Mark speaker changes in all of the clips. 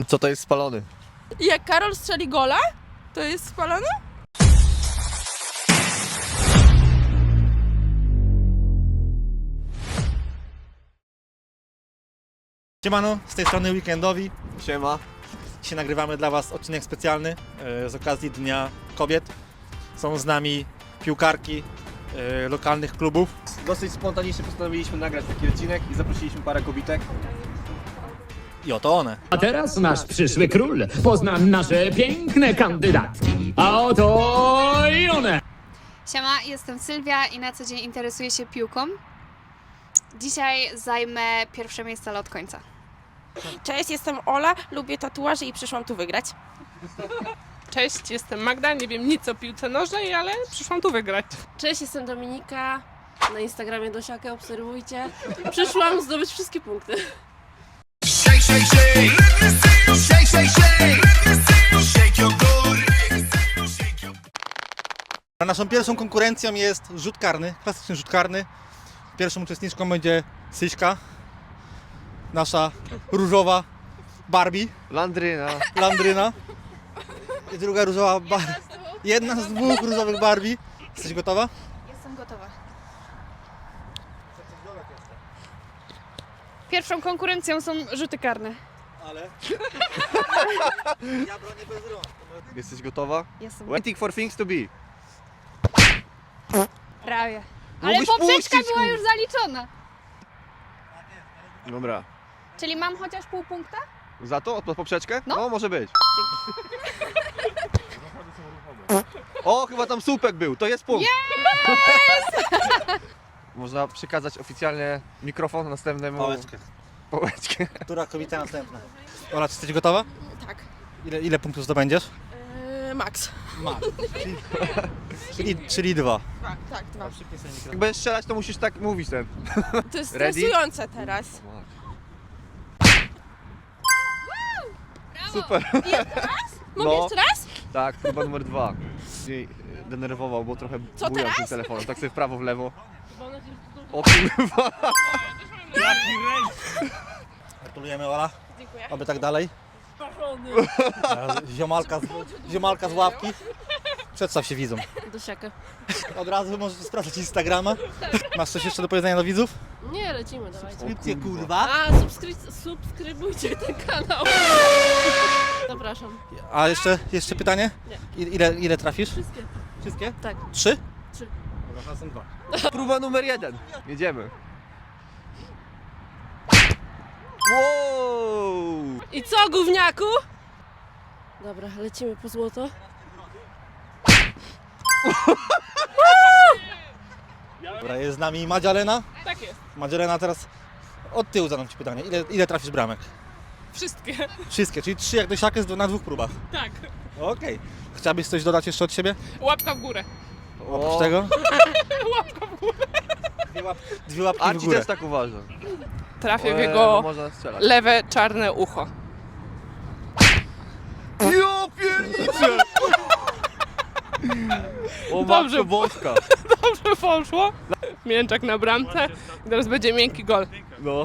Speaker 1: Co to jest spalony?
Speaker 2: Jak Karol strzeli gola, to jest spalony?
Speaker 3: Siemano, z tej strony Weekendowi.
Speaker 1: Siema.
Speaker 3: Dzisiaj nagrywamy dla Was odcinek specjalny z okazji Dnia Kobiet. Są z nami piłkarki lokalnych klubów.
Speaker 1: Dosyć spontanicznie postanowiliśmy nagrać taki odcinek i zaprosiliśmy parę kobitek.
Speaker 3: I oto one.
Speaker 4: A teraz nasz przyszły król pozna nasze piękne kandydatki. A oto i one!
Speaker 5: Siema, jestem Sylwia i na co dzień interesuję się piłką. Dzisiaj zajmę pierwsze miejsce od końca.
Speaker 2: Cześć, jestem Ola, lubię tatuaże i przyszłam tu wygrać.
Speaker 6: Cześć, jestem Magda, nie wiem nic o piłce nożnej, ale przyszłam tu wygrać.
Speaker 7: Cześć, jestem Dominika. Na Instagramie Dosiakę obserwujcie. Przyszłam zdobyć wszystkie punkty.
Speaker 3: Naszą pierwszą konkurencją jest rzut karny, klasyczny rzut karny. Pierwszą uczestniczką będzie Syśka, nasza różowa Barbie, Landryna. I druga różowa Barbie. Jedna z dwóch różowych Barbie. Jesteś gotowa?
Speaker 5: Jestem gotowa. Pierwszą konkurencją są rzuty karne.
Speaker 3: Ale... Ja bronię bez rąk.
Speaker 1: Jesteś gotowa?
Speaker 5: Jestem
Speaker 1: Waiting for things to be.
Speaker 5: prawie. Ale
Speaker 1: Mógłbyś
Speaker 5: poprzeczka
Speaker 1: puścić,
Speaker 5: była już zaliczona.
Speaker 1: Dobra.
Speaker 5: Czyli mam chociaż pół punkta?
Speaker 1: Za to? Od poprzeczkę?
Speaker 5: No.
Speaker 1: Może być. O, chyba tam słupek był, to jest punkt. Można przekazać oficjalnie mikrofon następnemu. Pałeczkę.
Speaker 3: Która kobieta następna? Ola, czy jesteś gotowa?
Speaker 2: Tak.
Speaker 3: Ile punktów zdobędziesz?
Speaker 2: Max.
Speaker 3: Czyli 2.
Speaker 2: Tak, dwa.
Speaker 1: Jak będziesz strzelać, to musisz tak mówić ten.
Speaker 2: To jest
Speaker 1: Ready?
Speaker 2: stresujące teraz.
Speaker 1: Super.
Speaker 2: Mogę
Speaker 1: No.
Speaker 2: jeszcze raz?
Speaker 1: Tak, próba numer 2. Jej denerwował, bo trochę
Speaker 2: Co
Speaker 1: bujał
Speaker 2: teraz?
Speaker 1: tym telefonem. Tak sobie w prawo, w lewo. O kurwa.
Speaker 3: Gratulujemy, Ola.
Speaker 2: Dziękuję.
Speaker 3: Oby tak dalej. Ziomalka z ławki. Przedstaw się widzom.
Speaker 7: Dosiakę.
Speaker 3: Od razu możecie sprawdzić Instagrama. Masz coś jeszcze do powiedzenia do widzów?
Speaker 7: Nie, lecimy, dawajcie.
Speaker 3: Subskrypcje, kurwa.
Speaker 7: A, subskrybujcie ten kanał. Zapraszam.
Speaker 3: A jeszcze pytanie? Ile trafisz?
Speaker 7: Wszystkie.
Speaker 3: Wszystkie?
Speaker 7: Tak.
Speaker 3: 3?
Speaker 7: 3.
Speaker 3: Dobra, teraz są 2.
Speaker 1: Próba numer 1. Jedziemy. Wow!
Speaker 7: I co, gówniaku? Dobra, lecimy po złoto.
Speaker 3: Dobra, jest z nami Madzialena.
Speaker 6: Tak jest.
Speaker 3: Madzialena, teraz od tyłu zadam Ci pytanie. Ile trafisz bramek?
Speaker 6: Wszystkie.
Speaker 3: Wszystkie, czyli 3 jak Dosiakę na 2 próbach.
Speaker 6: Tak.
Speaker 3: Okej. Chciałabyś coś dodać jeszcze od siebie?
Speaker 6: Łapka w górę.
Speaker 3: Oprócz tego?
Speaker 6: Łapka w górę.
Speaker 3: Dwie łapki w
Speaker 1: Arci
Speaker 3: górę.
Speaker 1: też tak uważa.
Speaker 6: Trafię w
Speaker 1: No
Speaker 6: jego
Speaker 1: można strzelać.
Speaker 6: lewe czarne ucho.
Speaker 1: Jo, piernicze! O
Speaker 6: Dobrze.
Speaker 1: matko boska.
Speaker 6: Dobrze poszło. Mięczak na bramce. I teraz będzie miękki gol.
Speaker 1: No.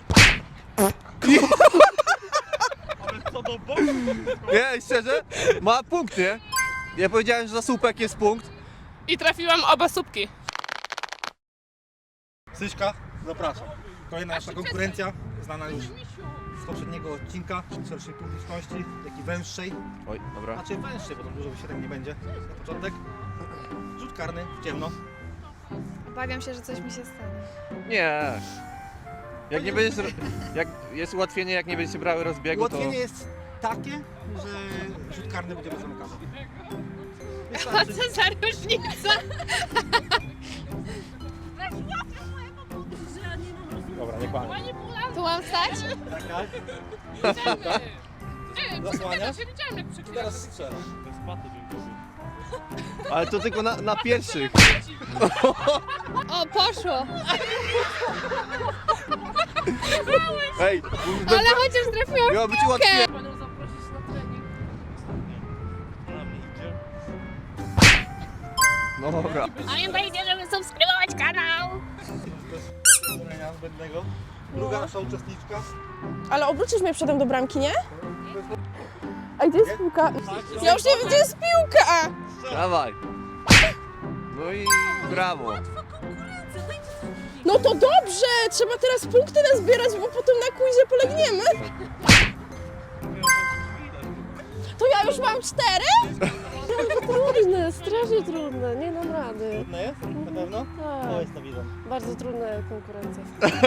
Speaker 1: Nie, szczerze? Ma punkt, nie? Ja powiedziałem, że za słupek jest punkt.
Speaker 6: I trafiłam oba słupki.
Speaker 3: Syśka, zapraszam. Kolejna nasza konkurencja, znana już z poprzedniego odcinka, szerszej publiczności, jak i węższej.
Speaker 1: Oj, dobra.
Speaker 3: Znaczy węższej, bo tam dużo wysiedem nie będzie na początek. Rzut karny w ciemno.
Speaker 5: Obawiam się, że coś mi się stanie.
Speaker 1: Nie. Jak nie będziesz... Jak jest ułatwienie, jak nie będziecie brały rozbiegu, to...
Speaker 3: Ułatwienie jest takie, że rzut karny będzie bez zamykania.
Speaker 5: A co za różnica?
Speaker 3: Dobra, nie kłamie.
Speaker 5: Tu mam stać?
Speaker 3: Zasłaniasz? Teraz strzelam.
Speaker 1: Ale to tylko na pierwszych.
Speaker 5: O, poszło.
Speaker 1: Ej,
Speaker 5: Ale chociaż trafiłam
Speaker 1: miało
Speaker 5: w
Speaker 1: być
Speaker 5: piłkę.
Speaker 1: ułatwienie.
Speaker 7: Panią zaprosić na trening.
Speaker 1: No dobra.
Speaker 5: Pamiętajcie, żeby subskrybować kanał.
Speaker 3: Zbędnego. Druga nasza uczestniczka.
Speaker 2: Ale obrócisz mnie przedem do bramki, nie? A gdzie jest piłka? Ja już nie wiem, gdzie jest piłka!
Speaker 1: Dawaj. No i brawo.
Speaker 2: No to dobrze! Trzeba teraz punkty nazbierać, bo potem na quizie polegniemy. To ja już mam 4?
Speaker 7: Trudne, strasznie trudne, nie dam rady.
Speaker 3: Trudne jest? Na pewno?
Speaker 7: Tak,
Speaker 3: O, jest to widzę.
Speaker 7: bardzo trudna konkurencja.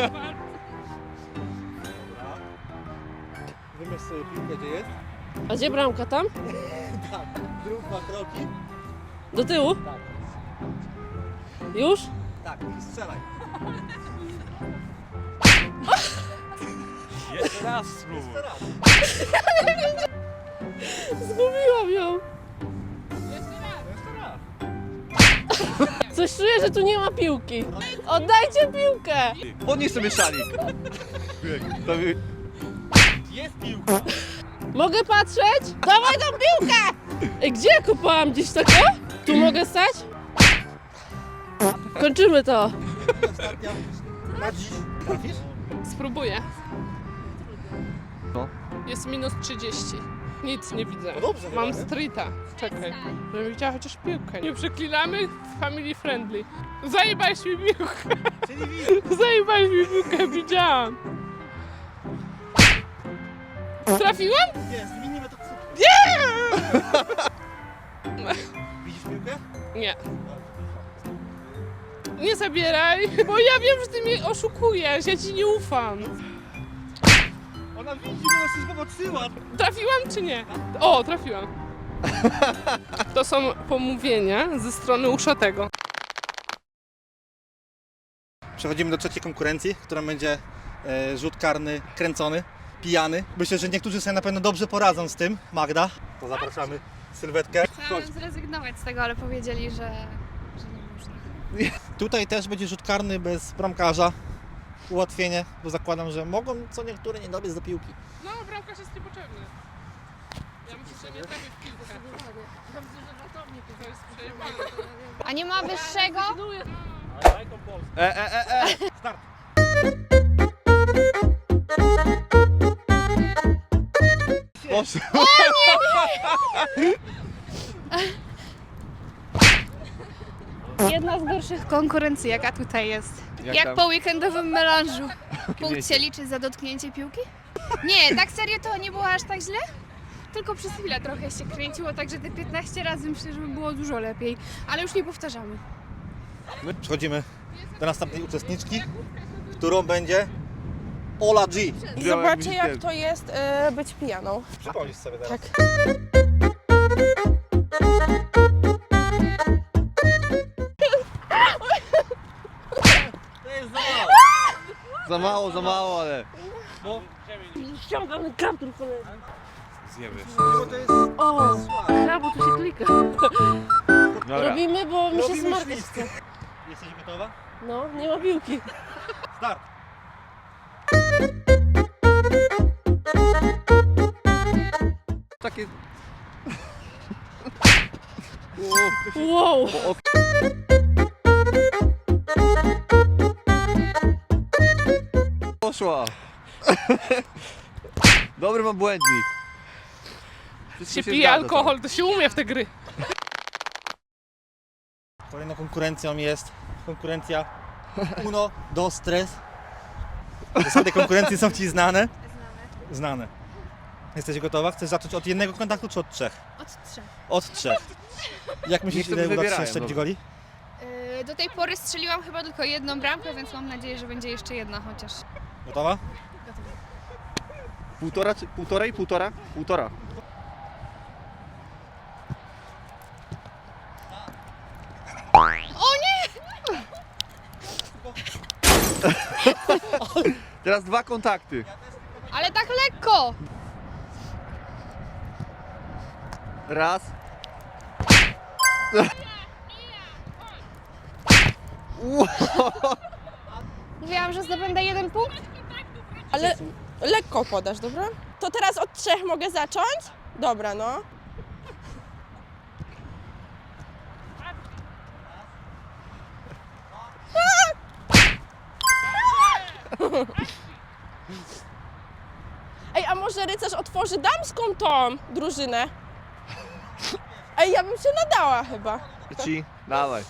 Speaker 3: Wymyśl sobie piłkę, gdzie jest.
Speaker 7: A gdzie bramka tam?
Speaker 3: Tak. Zrób 2 kroki.
Speaker 7: Do tyłu?
Speaker 3: Tak.
Speaker 7: Już?
Speaker 3: Tak, i strzelaj.
Speaker 1: Jeszcze raz spróbuj.
Speaker 7: Zgubiłam ją. Coś czuję, że tu nie ma piłki. Oddajcie piłkę!
Speaker 1: Podnieś sobie szalik. To mi...
Speaker 3: Jest piłka.
Speaker 7: Mogę patrzeć? Dawaj tą piłkę! Ej, gdzie ja kopałam? Gdzieś tak o? Tu mogę stać? Kończymy to.
Speaker 3: Ostatnia. Na dziś. Trafisz?
Speaker 6: Spróbuję.
Speaker 1: No.
Speaker 6: Jest minus 30. Nic nie widzę.
Speaker 3: No dobrze,
Speaker 6: Mam
Speaker 3: chyba, nie?
Speaker 6: streeta. Czekaj. Żebym widziała chociaż piłkę. Nie przeklinamy? Family friendly. Zajebałeś mi piłkę.
Speaker 3: Czyli widzę.
Speaker 6: Zajebałeś mi piłkę, widziałam. Trafiłam?
Speaker 3: Jest, minimy to super. Widzisz piłkę?
Speaker 6: Nie. Nie zabieraj, bo ja wiem, że ty mnie oszukujesz. Ja ci nie ufam.
Speaker 3: Ona widzi, bo nas coś popatrzyła.
Speaker 6: Trafiłam czy nie? O, trafiłam. To są pomówienia ze strony uszatego.
Speaker 3: Przechodzimy do trzeciej konkurencji, która będzie rzut karny kręcony, pijany. Myślę, że niektórzy sobie na pewno dobrze poradzą z tym. Magda, to zapraszamy Sylwetkę.
Speaker 5: Chciałam zrezygnować z tego, ale powiedzieli, że nie można.
Speaker 3: Tutaj też będzie rzut karny bez bramkarza. Ułatwienie, bo zakładam, że mogą co niektóre nie dobiec do piłki.
Speaker 6: No, bramkarz jest niepotrzebny. Ja myślę, że nie trafię w piłkę. To jest przejebane.
Speaker 5: A nie ma wyższego?
Speaker 3: Start!
Speaker 1: Poszło.
Speaker 5: Jedna z gorszych konkurencji, jaka tutaj jest.
Speaker 1: Jak
Speaker 5: Jak
Speaker 1: tam?
Speaker 5: po weekendowym melanżu. Punkt
Speaker 1: Wiecie.
Speaker 5: się liczy za dotknięcie piłki? Nie, tak serio to nie było aż tak źle? Tylko przez chwilę trochę się kręciło, także te 15 razy myślę, że by było dużo lepiej. Ale już nie powtarzamy.
Speaker 3: Przechodzimy do następnej uczestniczki, którą będzie Ola G.
Speaker 2: I zobaczcie, jak to jest być pijaną.
Speaker 3: Przypomnisz sobie teraz.
Speaker 2: Tak.
Speaker 3: To jest za mało.
Speaker 1: Za mało, ale...
Speaker 7: Ściągam kaptur, cholera.
Speaker 1: Zjemy.
Speaker 3: Bo to jest
Speaker 7: O,
Speaker 3: słabe.
Speaker 7: krabu tu się klika.
Speaker 1: Dobra.
Speaker 7: Robimy, bo mi się
Speaker 3: Robimy
Speaker 7: smarkać
Speaker 3: ślizg.
Speaker 7: chce.
Speaker 3: Jesteś gotowa?
Speaker 7: No, nie ma piłki.
Speaker 3: Start!
Speaker 1: Takie...
Speaker 7: Wow.
Speaker 1: Poszła. Dobry mam błędnik. Wszystko
Speaker 6: Się
Speaker 1: się
Speaker 6: pije
Speaker 1: zgadza,
Speaker 6: alkohol, to się umie w te gry.
Speaker 3: Kolejną konkurencją jest konkurencja Uno do Stres. Zasady konkurencji są Ci znane? Znane. Jesteś gotowa? Chcesz zacząć od jednego kontaktu czy od 3?
Speaker 5: Od 3.
Speaker 3: Od 3. Jak myślisz,
Speaker 1: Niech sobie
Speaker 3: ile uda Ci się
Speaker 1: wybierają,
Speaker 3: strzelić
Speaker 1: dobra.
Speaker 3: goli?
Speaker 5: Do tej pory strzeliłam chyba tylko jedną bramkę, więc mam nadzieję, że będzie jeszcze jedna chociaż.
Speaker 3: Gotowa?
Speaker 1: Półtora czy... Półtorej? Półtora? Półtora.
Speaker 5: O nie!
Speaker 1: Teraz 2 kontakty.
Speaker 5: Ale tak lekko!
Speaker 1: Raz.
Speaker 5: Mówiłam, że zdobędę 1 punkt.
Speaker 2: Ale lekko podasz, dobra? To teraz od 3 mogę zacząć? Dobra, no. Ej, a może rycerz otworzy damską tą drużynę? Ej, ja bym się nadała chyba.
Speaker 1: Ci, dawaj.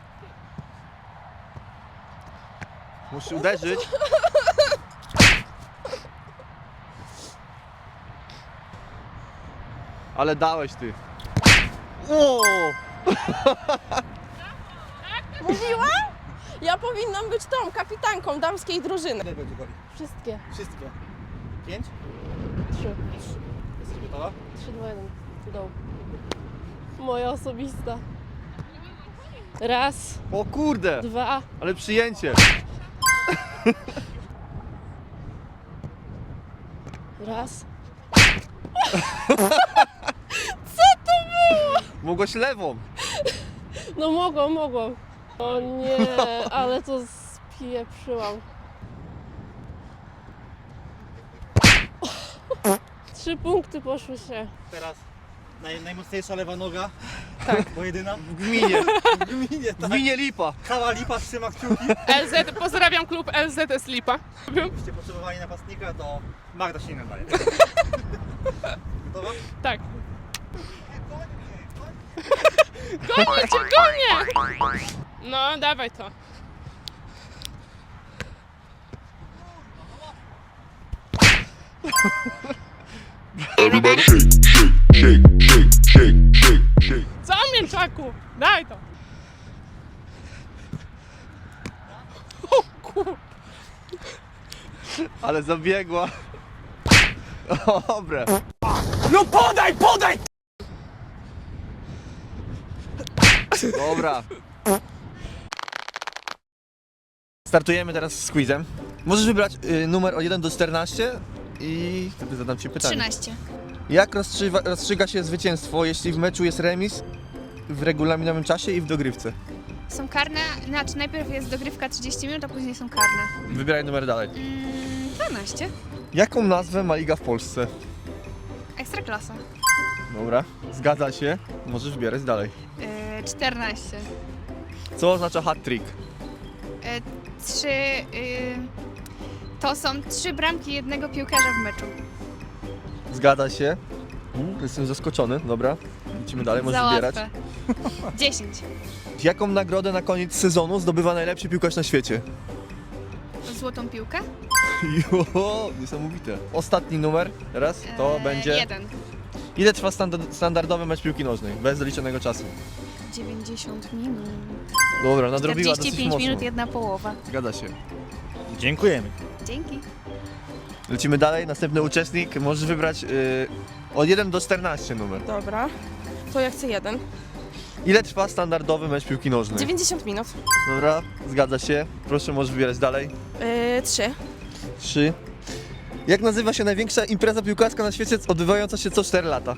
Speaker 1: Musisz uderzyć. Ale dałeś ty. O!
Speaker 2: Mówiłam? Ja powinnam być tą kapitanką damskiej drużyny.
Speaker 3: Ile będzie goli?
Speaker 7: Wszystkie.
Speaker 3: Wszystkie. 5?
Speaker 7: 3.
Speaker 3: Jesteś gotowa?
Speaker 7: 3, 2, 1. Go. Moja osobista. Raz,
Speaker 1: O kurde!
Speaker 7: 2,
Speaker 1: Ale przyjęcie.
Speaker 7: raz.
Speaker 1: Mogłeś lewą.
Speaker 7: No mogłam. O nie, ale to spieprzyłam. 3 punkty poszły się.
Speaker 3: Teraz najmocniejsza lewa noga. Tak. Bo jedyna.
Speaker 1: W gminie.
Speaker 3: W gminie,
Speaker 1: W
Speaker 3: tak.
Speaker 1: gminie Lipa.
Speaker 3: Cała Lipa trzyma kciuki.
Speaker 6: LZ, pozdrawiam klub LZS Lipa.
Speaker 3: Gdybyście potrzebowali napastnika, to Magda się nie nadaje. Gotowa?
Speaker 6: Tak. Gonię cię, gonię! No, dawaj to. Co, mięczaku? Daj to. O kur...
Speaker 1: Ale zabiegła. Dobre.
Speaker 4: No podaj!
Speaker 1: Dobra. Startujemy teraz z quizem. Możesz wybrać numer od 1 do 14 i wtedy zadam Ci pytanie.
Speaker 5: 13.
Speaker 1: Jak rozstrzyga się zwycięstwo, jeśli w meczu jest remis w regulaminowym czasie i w dogrywce?
Speaker 5: Są karne, znaczy najpierw jest dogrywka 30 minut, a później są karne.
Speaker 1: Wybieraj numer dalej.
Speaker 5: 12.
Speaker 1: Jaką nazwę ma liga w Polsce?
Speaker 5: Ekstraklasa.
Speaker 1: Dobra, zgadza się. Możesz wybierać dalej.
Speaker 5: 14.
Speaker 1: Co oznacza hat-trick?
Speaker 5: 3. To są 3 bramki jednego piłkarza w meczu.
Speaker 1: Zgadza się. Jestem zaskoczony. Dobra, lecimy dalej, możesz
Speaker 5: Za
Speaker 1: wybierać.
Speaker 5: łatwe. 10.
Speaker 1: Jaką nagrodę na koniec sezonu zdobywa najlepszy piłkarz na świecie?
Speaker 5: Złotą piłkę?
Speaker 1: Jo, niesamowite. Ostatni numer, teraz, to będzie...
Speaker 5: 1.
Speaker 1: Ile trwa standardowy mecz piłki nożnej, bez doliczonego czasu?
Speaker 5: 90 minut.
Speaker 1: Dobra, nadrobiła dosyć
Speaker 5: 45
Speaker 1: mocno.
Speaker 5: minut, 1 połowa.
Speaker 1: Zgadza się.
Speaker 3: Dziękujemy.
Speaker 5: Dzięki.
Speaker 1: Lecimy dalej, następny uczestnik. Możesz wybrać od 1 do 14 numer.
Speaker 2: Dobra, to ja chcę 1.
Speaker 1: Ile trwa standardowy mecz piłki nożnej?
Speaker 2: 90 minut.
Speaker 1: Dobra, zgadza się. Proszę, możesz wybierać dalej.
Speaker 2: 3.
Speaker 1: 3. Jak nazywa się największa impreza piłkarska na świecie odbywająca się co 4 lata?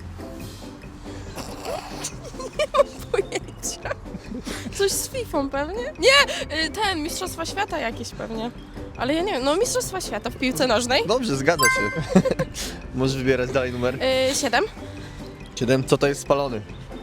Speaker 2: Pojęcia. Coś z FIFA pewnie? Nie, ten, Mistrzostwa Świata jakieś pewnie. Ale ja nie wiem, no Mistrzostwa Świata w piłce nożnej.
Speaker 1: Dobrze, zgadza się. Możesz wybierać dalej numer.
Speaker 2: 7.
Speaker 1: 7. Co to jest spalony?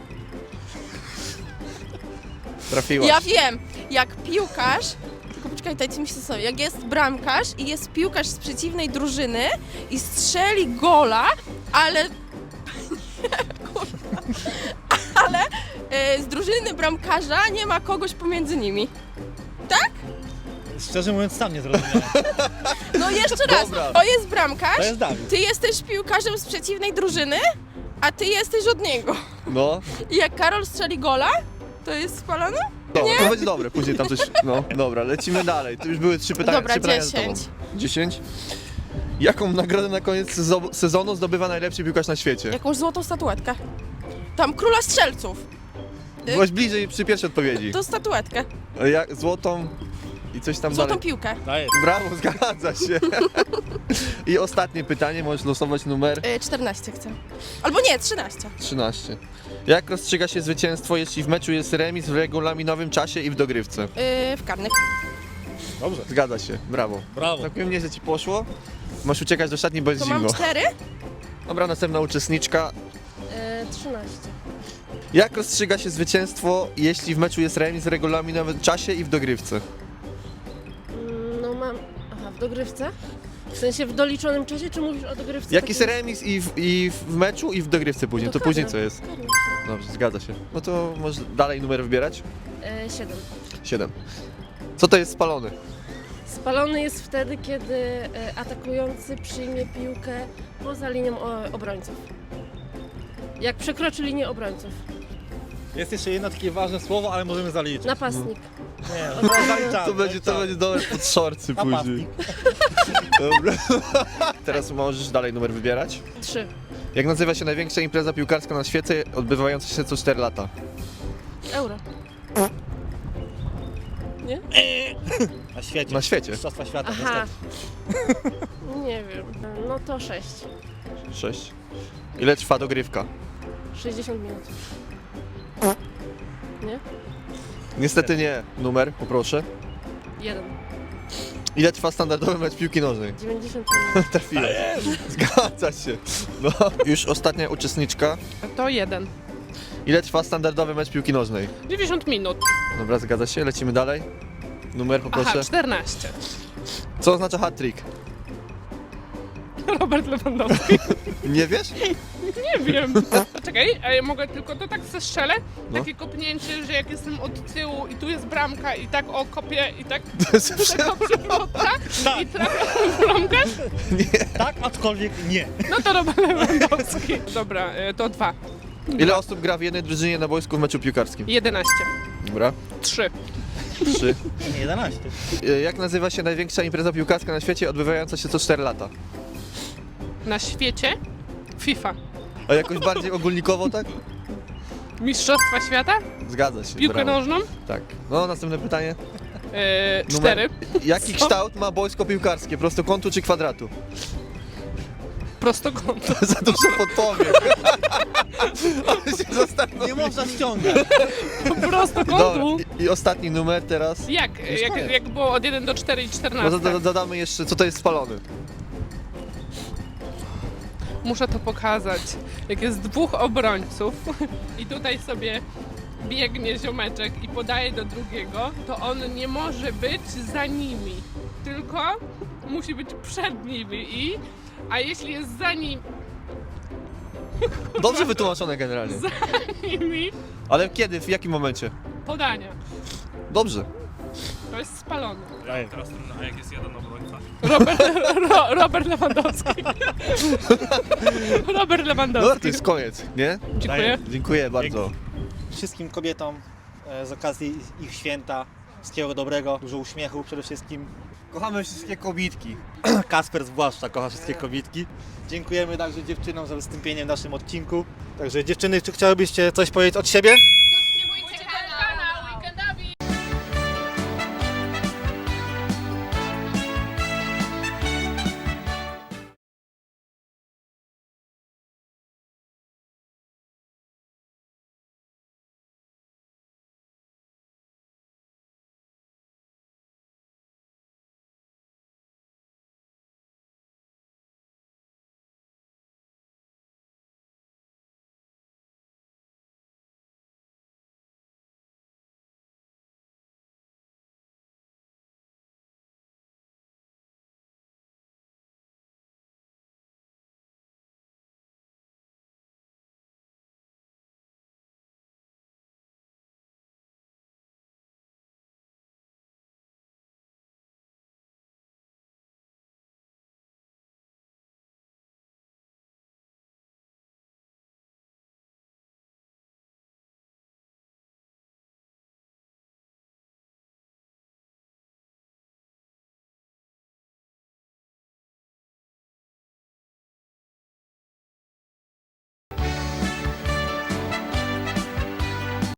Speaker 1: Trafiłaś.
Speaker 2: Ja wiem, jak piłkarz, tylko poczekaj, dajcie mi się sobie, jak jest bramkarz i jest piłkarz z przeciwnej drużyny i strzeli gola, ale kurwa, ale z drużyny bramkarza nie ma kogoś pomiędzy nimi.
Speaker 3: Szczerze mówiąc, sam nie zrozumiałem.
Speaker 2: No jeszcze raz,
Speaker 1: Dobra.
Speaker 2: to jest bramkarz,
Speaker 3: To jest Dawid.
Speaker 2: ty jesteś piłkarzem z przeciwnej drużyny, a ty jesteś od niego.
Speaker 1: No,
Speaker 2: I jak Karol strzeli gola, to jest spalony?
Speaker 1: dobra, to będzie dobre. Później tam coś... No, dobra, lecimy dalej. To już były 3 pytania.
Speaker 2: Dobra,
Speaker 1: 3 pytania za
Speaker 2: 10.
Speaker 1: tobą. 10. Jaką nagrodę na koniec sezonu zdobywa najlepszy piłkarz na świecie?
Speaker 2: Jakąś złotą statuetkę. Tam króla strzelców.
Speaker 1: Byłaś bliżej przy pierwszej odpowiedzi.
Speaker 2: To statuetkę.
Speaker 1: Jak złotą i coś tam
Speaker 2: Złotą
Speaker 1: dalej.
Speaker 2: piłkę.
Speaker 3: Daję.
Speaker 1: Brawo, zgadza się. I ostatnie pytanie, możesz losować numer
Speaker 2: 14 chcę. Albo nie, 13.
Speaker 1: 13. Jak rozstrzyga się zwycięstwo, jeśli w meczu jest remis w regulaminowym czasie i w dogrywce?
Speaker 2: W karnych.
Speaker 3: Dobrze.
Speaker 1: Zgadza się, brawo.
Speaker 3: Brawo.
Speaker 1: Tak mnie, że ci poszło. Masz uciekać do szatni, bo jest
Speaker 2: To
Speaker 1: zimno.
Speaker 2: mam 4.
Speaker 1: Dobra, następna uczestniczka.
Speaker 7: 13.
Speaker 1: Jak rozstrzyga się zwycięstwo, jeśli w meczu jest remis w regulaminowym czasie i w dogrywce?
Speaker 7: No mam... Aha, w dogrywce? W sensie w doliczonym czasie, czy mówisz o dogrywce?
Speaker 1: Jak jest
Speaker 7: takiej-
Speaker 1: remis i w meczu i w dogrywce później, to
Speaker 7: karne,
Speaker 1: później co jest?
Speaker 7: karne.
Speaker 1: Dobrze, zgadza się. No to może dalej numer wybierać?
Speaker 7: 7.
Speaker 1: 7. Co to jest spalony?
Speaker 7: Spalony jest wtedy, kiedy atakujący przyjmie piłkę poza linią obrońców. Jak przekroczy linię obrońców.
Speaker 3: Jest jeszcze jedno takie ważne słowo, ale możemy zaliczyć.
Speaker 7: Napastnik.
Speaker 3: Nie, zaliczamy.
Speaker 1: To będzie dobre pod szorcy później. Dobra. Teraz możesz dalej numer wybierać.
Speaker 7: 3.
Speaker 1: Jak nazywa się największa impreza piłkarska na świecie, odbywająca się co 4 lata?
Speaker 7: Euro. Nie?
Speaker 3: Na świecie.
Speaker 1: Na świecie.
Speaker 3: Mistrzostwa świata.
Speaker 7: Aha. Nie wiem. No to 6.
Speaker 1: 6. Ile trwa dogrywka?
Speaker 7: 60 minut. Nie?
Speaker 1: Niestety nie. Numer, poproszę.
Speaker 7: 1.
Speaker 1: Ile trwa standardowy mecz piłki nożnej?
Speaker 7: 90 minut.
Speaker 1: Trafiłem. Zgadza się. No. Już ostatnia uczestniczka.
Speaker 6: To 1.
Speaker 1: Ile trwa standardowy mecz piłki nożnej?
Speaker 6: 90 minut.
Speaker 1: Dobra, zgadza się. Lecimy dalej. Numer, poproszę.
Speaker 6: Aha, 14.
Speaker 1: Co oznacza hat-trick?
Speaker 6: Robert Lewandowski.
Speaker 1: Nie wiesz?
Speaker 6: Nie wiem. Czekaj, a ja mogę tylko to tak zestrzelę?
Speaker 1: No.
Speaker 6: Takie kopnięcie, że jak jestem od tyłu i tu jest bramka i tak o kopię i tak
Speaker 1: To jest
Speaker 6: to przewrota i trafiam w bramkę?
Speaker 3: Tak, aczkolwiek nie.
Speaker 6: No to Robert Lewandowski. Dobra, to 2.
Speaker 1: Ile osób gra w jednej drużynie na boisku w meczu piłkarskim?
Speaker 6: 11.
Speaker 1: Dobra.
Speaker 6: 3.
Speaker 1: 3.
Speaker 3: Nie, 11.
Speaker 1: Jak nazywa się największa impreza piłkarska na świecie, odbywająca się co 4 lata?
Speaker 6: Na świecie? FIFA.
Speaker 1: A jakoś bardziej ogólnikowo, tak?
Speaker 6: Mistrzostwa świata?
Speaker 1: Zgadza się.
Speaker 6: Piłkę
Speaker 1: brawo.
Speaker 6: nożną?
Speaker 1: Tak. No, następne pytanie.
Speaker 6: 4.
Speaker 1: Jaki
Speaker 6: Co?
Speaker 1: kształt ma boisko piłkarskie? Prostokątu czy kwadratu?
Speaker 6: Prostokąt.
Speaker 1: Za dużo podpowiem. Ale się zastanów.
Speaker 3: Nie można ściągać.
Speaker 6: Prostokątu.
Speaker 1: Dobra, i ostatni numer teraz.
Speaker 6: Jak było od 1 do 4 i 14?
Speaker 1: No, dodamy jeszcze, co to jest spalony.
Speaker 6: Muszę to pokazać. Jak jest 2 obrońców i tutaj sobie biegnie ziomeczek i podaje do drugiego, to on nie może być za nimi, tylko musi być przed nimi a jeśli jest za
Speaker 1: Dobrze wytłumaczone generalnie.
Speaker 6: nimi,
Speaker 1: Ale kiedy, w jakim momencie?
Speaker 6: podania.
Speaker 1: Dobrze.
Speaker 6: To jest spalony.
Speaker 8: Teraz trudno, a jak jest jeden obrońca?
Speaker 6: Robert Lewandowski. Robert
Speaker 1: No
Speaker 6: Lewandowski.
Speaker 1: to jest koniec, nie?
Speaker 6: Dziękuję.
Speaker 1: Dziękuję bardzo.
Speaker 3: Wszystkim kobietom z okazji ich święta wszystkiego dobrego, dużo uśmiechu przede wszystkim.
Speaker 1: Kochamy wszystkie kobitki.
Speaker 3: Kasper zwłaszcza kocha wszystkie kobitki. Dziękujemy także dziewczynom za wystąpienie w naszym odcinku. Także dziewczyny, czy chciałybyście coś powiedzieć od siebie?